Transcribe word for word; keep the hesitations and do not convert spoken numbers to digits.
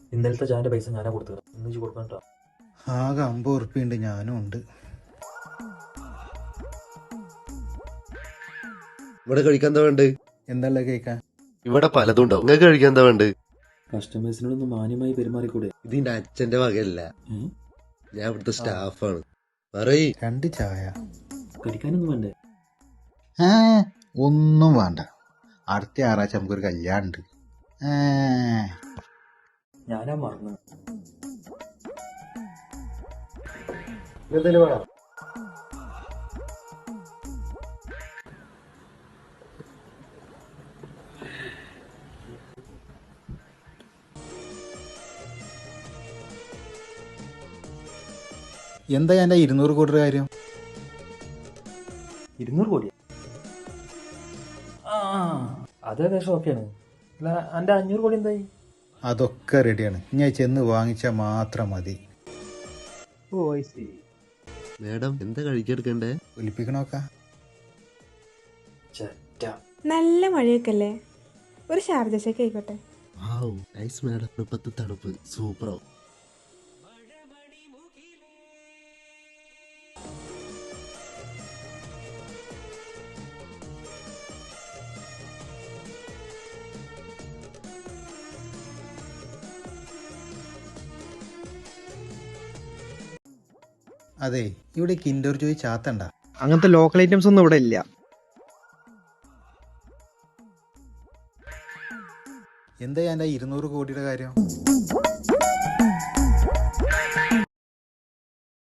ഇന്നലത്തെ ചായന്റെ പൈസ ഞാനാ കൊടുത്തത്. ഇന്ന് കൊടുക്കണ്ട. ആകെ അമ്പത് ഉറുപ്പിയുണ്ട്, ഞാനും ഉണ്ട്. ഇവിടെ കഴിക്കാൻ എന്താ വേണ്ടത്? എന്തല്ല കേൾക്കാൻ? ഇവിടെ പലതും ഉണ്ടാവും. നിങ്ങൾക്ക് കഴിക്കാൻ എന്താ വേണ്ടത്? കസ്റ്റമേഴ്സിനോടൊന്ന് മാന്യമായി പെരുമാറിക്കൂടെ? ഇതിന്റെ അച്ഛന്റെ വകയല്ല, ഞാൻ ഇവിടുത്തെ സ്റ്റാഫാണ്. പറയ്. രണ്ട് ചായ. കഴിക്കാനൊന്നും വേണ്ടേ? ഏ ഒന്നും വേണ്ട. അടുത്ത ഞായറാഴ്ച നമുക്കൊരു കല്യാണം ഉണ്ട്. ഞാനാ മറന്നു. എന്തെങ്കിലും വേണം? എന്താ എൻ്റെ ഇരുന്നൂറ് കോടി കാര്യം? ഇരുന്നൂറ് കോടിയാ? ആ അത് ഏകദേശം ഓക്കെയാണ്. അല്ല, എന്റെ അഞ്ഞൂറ് കോടി എന്തായി? അതൊക്കെ റെഡിയാണ്. ഞാൻ ചെന്ന് വാങ്ങിച്ചാൽ മാത്രം മതി. ഓ ഐ സി. മേഡം എന്താ കഴിക്കെടുക്കണ്ടേ? ഒലിപ്പിക്കണോക്ക. നല്ല മഴയൊക്കെ അല്ലേ? ഒരു ഷാർജ ഷേക്ക് ആയിക്കോട്ടെ. Nice madam. ഇപ്പത്തെ തണുപ്പ് സൂപ്പറാവും. അതെ, ഇവിടെ കിൻഡർ ജോയ് ചാത്തണ്ട. അങ്ങനത്തെ ലോക്കൽ ഐറ്റംസ് ഒന്നും ഇവിടെ ഇല്ല. എന്താ എൻ്റെ ഇരുന്നൂറ് കോടിയുടെ കാര്യം?